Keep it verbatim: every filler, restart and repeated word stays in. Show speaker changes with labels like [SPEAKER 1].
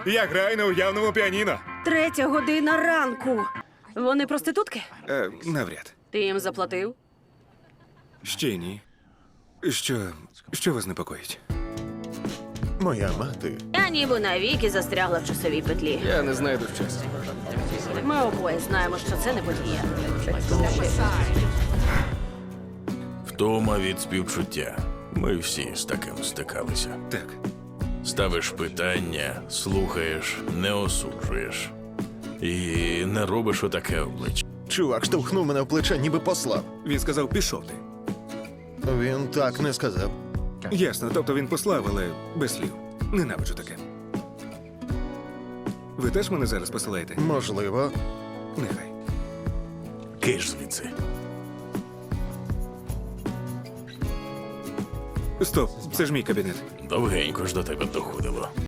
[SPEAKER 1] Я граю на уявному піаніно.
[SPEAKER 2] Третя година ранку. Вони проститутки?
[SPEAKER 1] Е, навряд.
[SPEAKER 2] Ти їм заплатив?
[SPEAKER 1] Ще ні. Що. Що вас непокоїть?
[SPEAKER 3] Моя мати.
[SPEAKER 2] Я ніби навіки застрягла в часовій петлі.
[SPEAKER 4] Я не знайду щастя.
[SPEAKER 2] Ми обоє знаємо, що це не подія.
[SPEAKER 5] Втома від співчуття. Ми всі з таким стикалися.
[SPEAKER 1] Так.
[SPEAKER 5] Ставиш питання, слухаєш, не осуджуєш. І не робиш отаке обличчя.
[SPEAKER 3] Чувак штовхнув мене в плече, ніби послав.
[SPEAKER 1] Він сказав, пішов ти.
[SPEAKER 3] Він так не сказав.
[SPEAKER 1] Ясно, тобто він послав, але без слів. Ненавиджу таке. Ви теж мене зараз посилаєте?
[SPEAKER 3] Можливо.
[SPEAKER 1] Нехай.
[SPEAKER 5] Киш звідси.
[SPEAKER 1] Стоп, це ж мій кабінет.
[SPEAKER 5] Довгенько ж до тебе доходило.